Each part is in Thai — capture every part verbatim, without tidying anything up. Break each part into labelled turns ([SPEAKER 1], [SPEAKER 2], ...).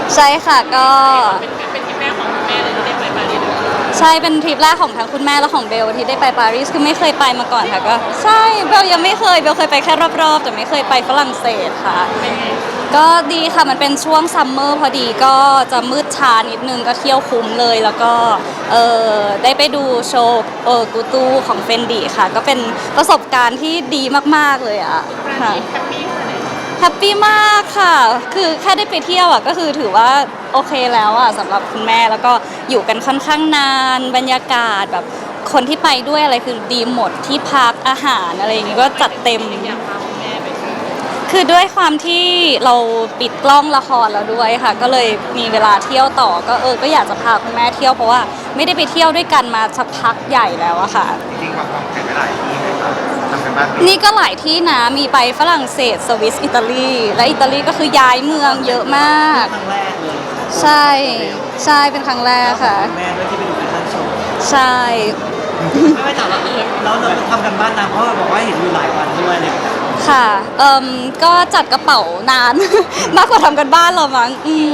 [SPEAKER 1] ใช่ค่ะก็
[SPEAKER 2] เป็นเป็นทริปแรกของคุณแม่เลยที่ได้ไปปารีส
[SPEAKER 1] ใช่เป็นทริปแรกของทั้งคุณแม่และของเบลที่ได้ไปปารีสคือไม่เคยไปมาก่อนค่ะก็ใช่เบลยังไม่เคยเบลเคยไปแค่รอบๆแต่ไม่เคยไปฝรั่งเศสค่ะก็ดีค่ะมันเป็นช่วงซัมเมอร์พอดีก็จะมืดช้านิดนึงก็เที่ยวคุ้มเลยแล้วก็เออได้ไปดูโชว์เออกูตูของเฟนดีค่ะก็เป็นประสบการณ์ที่ดีมากๆเลยอ่ะค่ะ
[SPEAKER 2] แฮปปี้เลย
[SPEAKER 1] แฮปปี้มากค่ะ คือแค่ได้ไปเที่ยวอ่ะก็คือถือว่าโอเคแล้วอ่ะสำหรับคุณแม่แล้วก็อยู่กันค่อนข้างนานบรรยากาศแบบคนที่ไปด้วยอะไรคือดีหมดที่พักอาหารอะไรอย่างงี้ก็จัดเต็ม
[SPEAKER 2] อยากพาคุณแม่ไปเที่ยว
[SPEAKER 1] คือด้วยความที่เราปิดกล้องละครแล้วด้วยค่ะ ก็เลยมีเวลาเที่ยวต่อก็เออก็อยากจะพาคุณแม่เที่ยวเพราะว่าไม่ได้ไปเที่ยวด้วยกันมาสักพักใหญ่แล้วอะค่ะ
[SPEAKER 3] จริงๆวางวางแผนไว้หลายที่ไหมครับทำกันบ้านไหม
[SPEAKER 1] นี่ก็หลายที่นะมีไปฝรั่งเศสสวิสอิตาลีและอิตาลีก็คือย้ายเมืองเยอะมาก
[SPEAKER 4] ครั้งแรกเลย
[SPEAKER 1] ใช่ใช่เป็นครั้งแรกค่ะ
[SPEAKER 4] แม่ด้วยที่ไปดูแฟชั่นโชว์
[SPEAKER 1] ใช่
[SPEAKER 4] ไม่ไม่ถามว่าแล้วเราทำกันบ้านนานเพราะว่าบอกว่าเห็นอยู่หลายวันด้วยเลย
[SPEAKER 1] ค่ะเอ่มก็จัดกระเป๋านาน มากกว่าทำกันบ้านเรามั้งอืม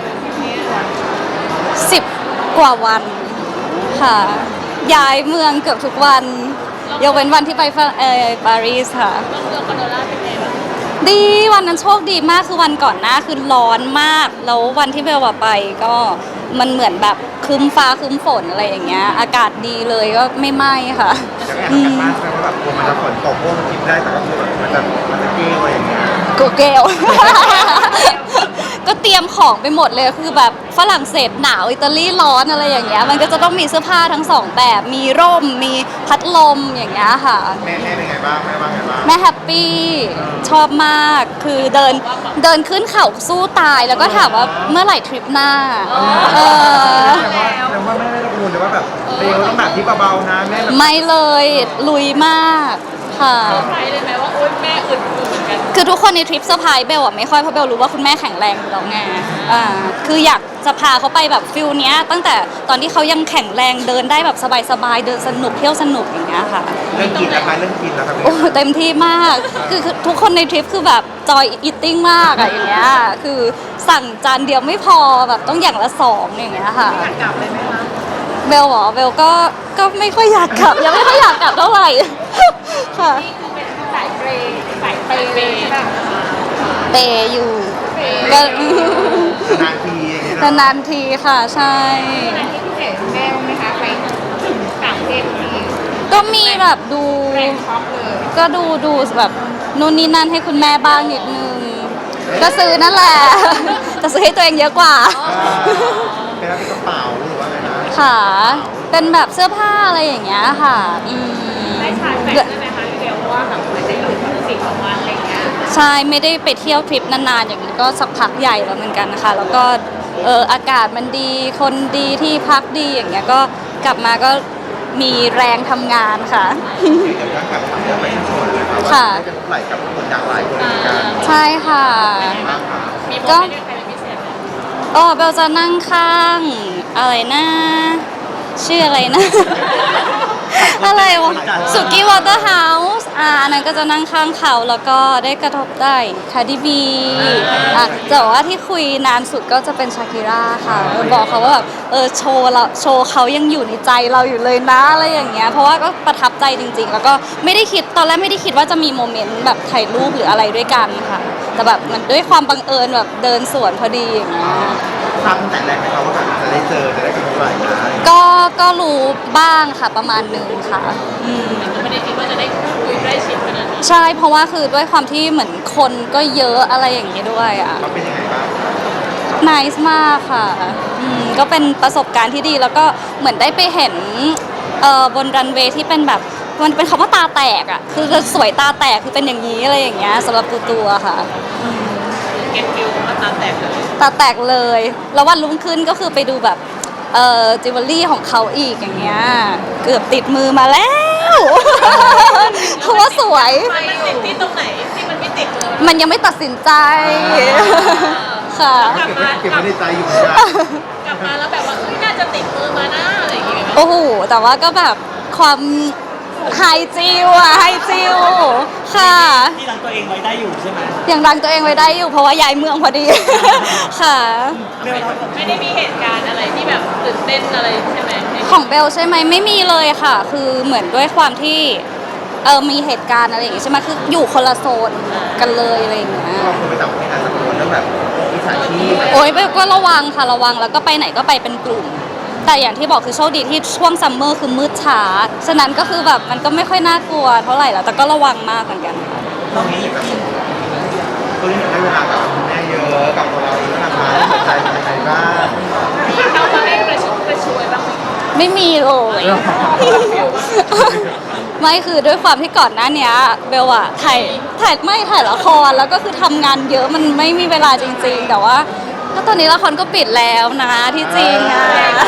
[SPEAKER 1] สิบกว่าวันค่ะ ย้ายเมืองเกือบทุกวันยกเว้นวันที่ไปฝรั่งเออปารีสค่ะ
[SPEAKER 2] เมืองคอนโดล่าเป็นไงบ้าง
[SPEAKER 1] ดีวันนั้นโชคดีมากคือวันก่อนหน้าคือร้อนมาก แล้ววันที่เบลว่าไปก็มันเหมือนแบบครึ้มฟ้าครึ้มฝนอะไรอย่างเงี้ยอากาศดีเลยก็ไม่ไหม้ค่ะ
[SPEAKER 3] จะไม่ทำกันบ้านใช่ไหมว่าแบบกลัวมันจะฝนตกพวกมันกินได้แต่ก็คือแบบมันจะมันจะเกี้ยวอะไรอย่างเงี้ย
[SPEAKER 1] กูเกล ก็เตรียมของไปหมดเลยคือแบบฝรั่งเศสหนาวอิตาลีร้อนอะไรอย่างเงี้ยมันก็จะต้องมีเสื้อผ้าทั้งสองแบบมีร่มมีพัดลมอย่างเงี้ยค่ะ
[SPEAKER 3] แม่แม่เป็นไงบ้างแม่ว่าไงบ้าง
[SPEAKER 1] แม่แฮปปี้ชอบมากคือเดินเดินขึ้นเขาสู้ตายแล้วก็ถามว่าเมื่อไหร่ทริปหน้าเออ
[SPEAKER 3] แต่ว่าแต่ว่าแม่ไม่ได้กังวลเลยว่าแบบเบลต้องแบบที่เบาๆนะแม่แบบ
[SPEAKER 1] ไม่เลยลุยมากค่ะ
[SPEAKER 2] เซอร์ไพรส์เลยไหมว่าโอ๊ยแม่อึดอยู่เหมือนกัน
[SPEAKER 1] คือทุกคนในทริปเซอร์ไพรส์เบลอะไม่ค่อยเพราะเบลรู้ว่าคุณแม่แข็งแรงอยู่แล้วไงอ่าคืออยากจะพาเขาไปแบบฟิลเนี้ยตั้งแต่ตอนที่เขายังแข็งแรงเดินได้แบบสบายๆเดินสนุกเที่ยวสนุกอย่างเงี้ยค่ะ
[SPEAKER 3] เรื่องกินนะคะเรื่องกินนะคะ
[SPEAKER 1] โอ้เต็มที่มากคือคือทุกคนในทริปคือแบบจอยอิตติ้งมากอะอย่างเงี้ยคือสั่งจานเดียวไม่พอแบบต้องอย่างละสองอย่างเงี้ยค่ะ
[SPEAKER 2] อยากกลับเลยไหมคะ
[SPEAKER 1] เบลเหรอเบลก็ก็ไม่ค่อยอยากกลับยังไม่ค่อยอยากกลับเท่าไหร่ ค่ะ
[SPEAKER 2] นี่คือเป็นสายเปย์สายเปย์ใช่ป่ะ
[SPEAKER 1] เปย์อยู่
[SPEAKER 2] เปย์
[SPEAKER 1] ก็
[SPEAKER 3] นานทีอย่างเงี้ย
[SPEAKER 1] นานๆทีค่ะใช่
[SPEAKER 2] ที่พิเศษแม่บ้างไหมคะไปถึงต่างประเทศที
[SPEAKER 1] ก็มีแบบดู
[SPEAKER 2] แรงช็อปเลย
[SPEAKER 1] ก็ดูดูแบบนู่นนี่นั่นให้คุณแม่บ้างนิดนึง ก็ซื้อนั่นแหละ แต่ซื้อให้ตัวเองเยอะกว่า
[SPEAKER 3] เป็นรับเป็นกระเป๋าหรือว่าไงนะ
[SPEAKER 1] ค่ะ เป็นแบบเสื้อผ้าอะไรอย่างเงี้ยค่ะอืม
[SPEAKER 2] ได้ชาร์จแบตได้ไหมคะพี่เบลเพราะว่าแบบมันจะอยู่สี่สองวันอะไรอย่างเงี้ย
[SPEAKER 1] ใช่ไม่ได้ไปเที่ยวทริปนานๆอย่างนี้ก็สักพักใหญ่แล้วเหมือนกันนะคะ แล้วก็เอออากาศมันดีคนดีที่พักดีอย่างเงี้ยก็กลับมาก็มีแรงทำงานค่ะ
[SPEAKER 3] เดี๋ยวย้อนกลับถามเรื่องไปที่โชว์เลยครับว่า
[SPEAKER 1] ค่ะ
[SPEAKER 3] ได้เป็นไหลกับคนดังหลายคนเหมือนกัน
[SPEAKER 1] ใช่ค่ะ
[SPEAKER 3] มากค่ะ
[SPEAKER 2] มีโม
[SPEAKER 1] ก็
[SPEAKER 2] เมนต์ด้วยใครเป็นพิเศษไหม
[SPEAKER 1] อ๋อเบลจะนั่งข้างอะไรนะชื่ออะไรนะ อะไรวะสุกี้วอเตอร์เฮาส์อ่าอันนั้นก็จะนั่งข้างเขาแล้วก็ได้กระทบได้คาร์ดิบีอ่ะแต่ว่าที่คุยนานสุดก็จะเป็นชาคิราค่ะบอกเขาว่าแบบเออโชว์เราโชว์เขายังอยู่ในใจเราอยู่เลยนะอะไรอย่างเงี้ยเพราะว่าก็ประทับใจจริง ๆ แล้วก็ไม่ได้คิดตอนแรกไม่ได้คิดว่าจะมีโมเมนต์แบบถ่ายรูปหรืออะไรด้วยกันค่ะ แต่แบบมันด้วยความบังเอิญแบบเดินสวนพอดีอย่างเงี้ย
[SPEAKER 3] ทราบตั้งแต่แรกไหมครับว่าแบบจะได้เจอจะได้กันเมื่อไหร่นะ
[SPEAKER 1] ก็ก็รู้บ้างค่ะประมาณหนึ่งค่ะอืม
[SPEAKER 2] ก็ไม่ได้คิดว่าจะได้คุยได้ชิดขนาดนี้
[SPEAKER 1] ใช่เพราะว่าคือด้วยความที่เหมือนคนก็เยอะอะไรอย่างนี้ด้วยอ่ะ
[SPEAKER 3] เขาเป็นยังไงบ้าง
[SPEAKER 1] นิสมากค่ะอืมก็เป็นประสบการณ์ที่ดีแล้วก็เหมือนได้ไปเห็นเอ่อบนรันเวย์ที่เป็นแบบมันเป็นคำว่าตาแตกอ่ะคือสวยตาแตกคือเป็นอย่างนี้อะไรอย่างเงี้ยสำหรับตัวตัวค่ะ
[SPEAKER 2] เก็ตฟิลมาตามแตกเลย
[SPEAKER 1] ตาแตกเลย แล้ววันรุ่งขึ้นก็คือไปดูแบบเอ่อจิวเวลรี่ของเขาอีกอย่างเงี้ยเกือบติดมือมาแล้ว เพราะว่าสวย
[SPEAKER 2] มันติดที่ตรงไหนที่มันไม่ติดเลย
[SPEAKER 1] มันยังไม่ตัดสินใจ ค่ะ
[SPEAKER 3] เก็บไว้เก็บไว้ในใจอยู่เหมือนกัน
[SPEAKER 2] กลับมาแล้วแบบว่าเอ้ยน่าจะติดมือมานะอะไรอย่างเงี้ย
[SPEAKER 1] โอ้โห แต่ว่าก็แบบความไฮจิวอะไฮจิวค่ะ
[SPEAKER 4] ที่รังตัวเองไว้ได้อยู่ใช่ไหม
[SPEAKER 1] ยังรังตัวเองไว้ได้อยู่เพราะว่าย้ายเมืองพอดี ค่ะ
[SPEAKER 4] เบลเรา
[SPEAKER 2] ไม่ได้มีเหตุการณ์อะไรที่แบบตื่นเต้นอะไรใช่ไหม
[SPEAKER 1] ของเบลใช่ไหมไม่มีเลยค่ะ คือเหมือนด้วยความที่เออมีเหตุการณ์อะไรอย่างงี้ใช่ไหมคืออยู่คนละโซนกันเลยอะไรอย่างเงี้ย
[SPEAKER 3] เราควรไปต่างประเทศอาจจะกังวลเรื่องแบบมิจฉาชีพ
[SPEAKER 1] โอ้ยเบลก็ระวังค่ะระวังแล้วก็ไปไหนก็ไปเป็นกลุ่ม แต่อย่างที่บอกคือโชคดีที่ช่วงซัมเมอร์คือมืดช้าฉะนั้นก็คือแบบมันก็ไม่ค่อยน่ากลัวเท่าไหร่แล้วแต่ก็ระวังมากเหมือนกันค่ะ
[SPEAKER 3] ตรงนี้แบบตัวนี้ได้เวลากับคุณแม่เยอะกับตัวเราเองนะคะสนใจเป็นยังไงบ้าง
[SPEAKER 2] มีเข้ามาให้กระชุ่มกระชวยบ้างไหม
[SPEAKER 1] ไม่มีเลย ไม่คือด้วยความที่ก่อนหน้าเนี้ยเบลอะถ่ายถ่ายไม่ถ่ายละครแล้วก็คือทำงานเยอะมันไม่มีเวลาจริงๆ แต่ว่าก็ตอนนี้ละครก็ปิดแล้วนะที่จริงอะ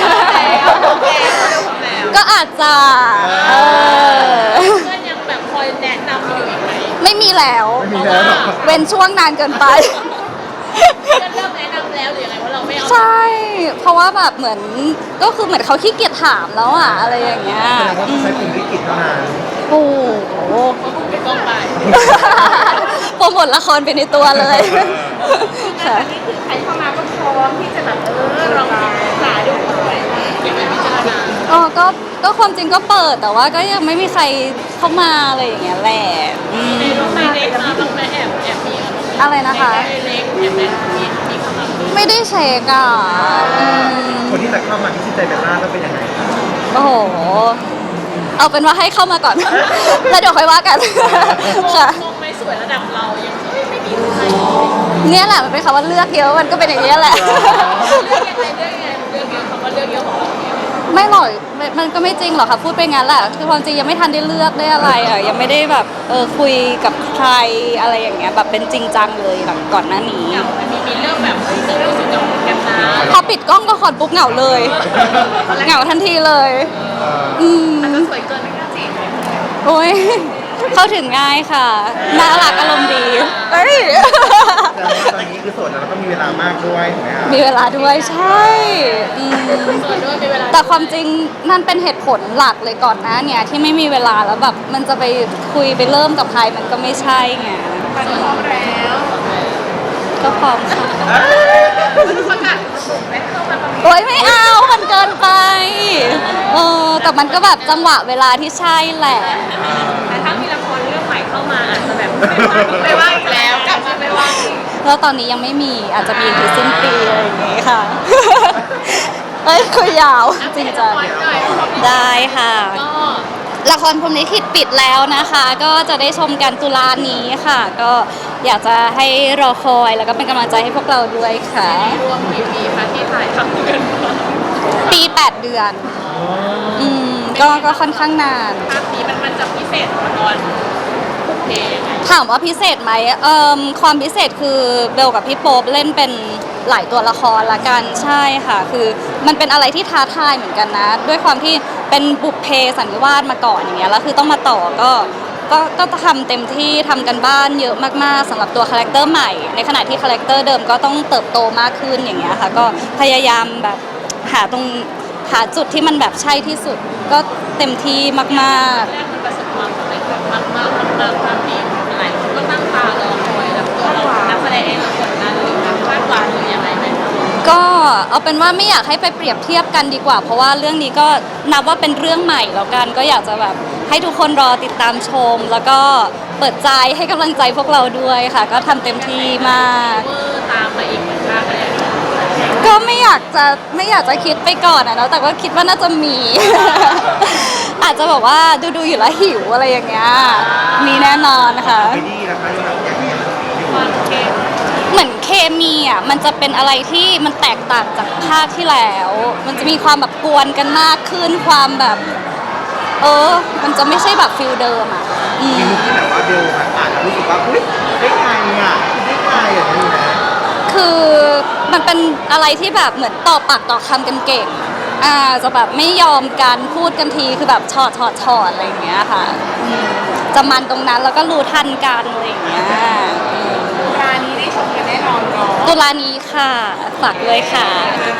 [SPEAKER 1] ก็อาจจะเออ
[SPEAKER 2] เพื่อนยังแบบคอยแนะนำอยู่อีกไหม
[SPEAKER 1] ไม่มีแล้ว
[SPEAKER 3] ไม่มีแล้วหรอก
[SPEAKER 1] เว้นช่วงนานเกินไป
[SPEAKER 2] เพื่อนเริ่มแนะนำแล้วหรือยังไงว่าเราไม่เอา
[SPEAKER 1] ใช่ เพราะว่าแบบเหมือนก็คือเหมือนเขาขี้เกียจถามแล้วอะอะไรอย่างเงี้ย
[SPEAKER 3] แสดงว่าต้องใช้กลุ่มวิกฤตเท่านั้น
[SPEAKER 1] โอ้โห
[SPEAKER 2] เพราะผมไปกล้องไป
[SPEAKER 1] โปรโมทละครไปในตัวเลยค่ะ
[SPEAKER 2] นี่คือใครเข้ามาก็พร้อมที่จะแบบเออลองศึกษาดูด้วยเก็บไว้พิจารณา
[SPEAKER 1] อ๋อก็ก็ความจริงก็เปิดแต่ว่าก็ยังไม่มีใครเข้ามาอะไรอย่างเงี้ยแหละอืม
[SPEAKER 2] ในรูปในเล็กมาบ้างไหมแอบแอบมี
[SPEAKER 1] อะไรนะคะ
[SPEAKER 2] ในเล็กแอบมีมีมีเข้ามา
[SPEAKER 1] ไม่ได้เช็คอ่ะอืม
[SPEAKER 3] คนที่จะเข้ามาที่ใจเบลล่าต้องเป็นยังไง
[SPEAKER 1] โอ้โห เอาเป็นว่าให้เข้ามาก่อน แล้วเดี๋ยวค่อยว่ากัน ค่ะ
[SPEAKER 2] มองไม่สวยระดับเรายังไม่ไม่มีใคร
[SPEAKER 1] เนี่ยแหละมันเป็นคำว่าเลือกเยอะมันก็เป็นอย่างนี้ยแหละ
[SPEAKER 2] เลือกยังไงเลือกยังไงเลือกเยอะคำว่าเลือกเยอะของเราเนี่ย
[SPEAKER 1] ไม่หรอกไม่มันก็ไม่จริงหรอกค่ะพูดไปงั้นแหละคือความจริงยังไม่ทันได้เลือกได้อะไรอ่ะยังไม่ได้แบบเออคุยกับใครอะไรอย่างเงี้ยแบบเป็นจริงจังเลยแบบก่อนหน้านี้
[SPEAKER 2] เหงามันมีมีเรื่องแบบเฮ้ยเรื่องรู้สึกเหงาเหมือนกันนะ
[SPEAKER 1] พอปิดกล้องก็คอนปุ๊บเหงาเลย เหงาทันทีเลย อืม
[SPEAKER 2] อาจจะสวยเกินไม่กล้าจีบ
[SPEAKER 1] โอ้ยเข้าถึงง่ายค่ะน่ารักอารมณ์ดีเอ้ย
[SPEAKER 3] แต่ว่าตอนนี้คือโสดแล้วก็มีเวลามากด้วยถูกไหมครับ
[SPEAKER 1] มีเวลาด้วยใช่อืม
[SPEAKER 2] สวยด้วยมีเวลา
[SPEAKER 1] แต่ความจริงนั่นเป็นเหตุผลหลักเลยก่อนหน้าเนี่ยที่ไม่มีเวลาแล้วแบบมันจะไปคุยไปเริ่มกับใครมันก็ไม่ใช่ไง
[SPEAKER 2] พร้อมแล้ว
[SPEAKER 1] ก็พร้อมค่ะ
[SPEAKER 2] ประกาศไม่เข้ามาประมาณ
[SPEAKER 1] โอ๊ยไม่เอามันเกินไปเออแต่มันก็แบบจังหวะเวลาที่ใช่แหละ
[SPEAKER 2] แต่ถ้ามีละครเรื่องใหม่เข้ามาอาจจะแบบไม่ว่างอีกแล้วกลับมาไม่ว่างอีก
[SPEAKER 1] แล้วตอนนี้ยังไม่มีอาจจะมีถึงสิ้นปีอะไรอย่างงี้ค่ะ เอ้ยคุยยาวจริงจัง ได้ค่ะ
[SPEAKER 2] ก็
[SPEAKER 1] ละครพรหมลิขิตปิดแล้วนะคะ ก็จะได้ชมกันตุลานี้ค่ะ ก็อยากจะให้รอคอยแล้วก็เป็นกำลังใจให้พวกเราด้วยค่ะ
[SPEAKER 2] รวมกี่ปีคะที่ถ่ายทำกันมา
[SPEAKER 1] ปีแปดเดือน อืมก็ก็ค่อนข้างนาน
[SPEAKER 2] ภาพนี้มันมันจะพิเศษกว่าตอนบุกเพยังไง
[SPEAKER 1] ถามว่าพิเศษไหมเอ่มความพิเศษคือเบลกับพี่โป๊ปเล่นเป็นหลายตัวละครละกันใช่ค่ะ คือมันเป็นอะไรที่ท้าทายเหมือนกันนะ ด้วยความที่เป็นบุพเพสันนิวาสมาก่อนอย่างเงี้ยแล้วคือต้องมาต่อก็ก็ก็ทำเต็มที่ทำกันบ้านเยอะมากๆสำหรับตัวคาแรคเตอร์ใหม่ ในขณะที่คาแรคเตอร์เดิมก็ต้องเติบโตมากขึ้นอย่างเงี้ยค่ะ ก็พยายามแบบหาตรงหาจุดที่มันแบบใช่ที่สุด ก็เต็มที่มากๆ
[SPEAKER 2] แรกมันประสบความสำเร็จแบบมากมากมากภาพนี้หลายคนก็ตั้งตารอคอยแล้วตัวเรานักแสดงเองเรากดดันหรือแบบคาดหวังหรือยังไงไหมคะ
[SPEAKER 1] ก็เอาเป็นว่าไม่อยากให้ไปเปรียบเทียบกันดีกว่า เพราะว่าเรื่องนี้ก็นับว่าเป็นเรื่องใหม่แล้วกัน ก็อยากจะแบบให้ทุกคนรอติดตามชม แล้วก็เปิดใจให้กำลังใจพวกเราด้วยค่ะ ก็ทำเต็มที่มาก
[SPEAKER 2] เวอร์ตามมาอีกเหมือนกันเลย
[SPEAKER 1] ก็ไม่อยากจะไม่อยากจะคิดไปก่อนอะเนาะแต่ก็คิดว่าน่าจะมี อาจจะแบบว่าดูดูๆอยู่แล้วหิวอะไรอย่างเงี้ยมีแน่นอนนะคะ
[SPEAKER 3] ไม่ดีนะคะยังแบบยังยังอยู่
[SPEAKER 2] ความเค็ม
[SPEAKER 1] เหมือนเคมีอ่ะมันจะเป็นอะไรที่มันแตกต่างจากภาคที่แล้ว มันจะมีความแบบกวนกันมากขึ้นความแบบ เออ มันจะไม่ใช่แบบฟิลเดิมอ่ะอื
[SPEAKER 3] มี
[SPEAKER 1] ม
[SPEAKER 3] มุกที่แบบว่าเบลอ่านแล้วรู้สึกว่าอุ้ยได้ไงอ่ะได้ไงอย่างนี้นะ
[SPEAKER 1] คือมันเป็นอะไรที่แบบเหมือนต่อปากต่อคำกันเก่ง อ่าจะแบบไม่ยอมกันพูดกันทีคือแบบชอดชอดชอดอะไรอย่างเงี้ยค่ะอืมจะมันตรงนั้นแล้วก็รู้ทันกันอะไรอย่างเงี้ยอืม
[SPEAKER 2] ร้านนี้ได้ชมกันแน่นอนเนาะ
[SPEAKER 1] ตุลานี้ค่ะฝากด้วยค่ะ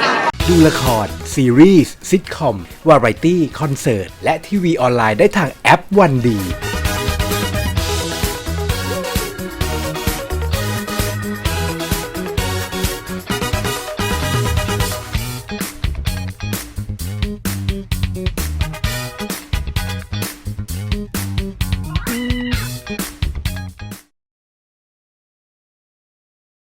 [SPEAKER 5] ดูละคร ซีรีส์ซิทคอม วาไรตี้ คอนเสิร์ต และทีวีออนไลน์ได้ทางแอปวันดี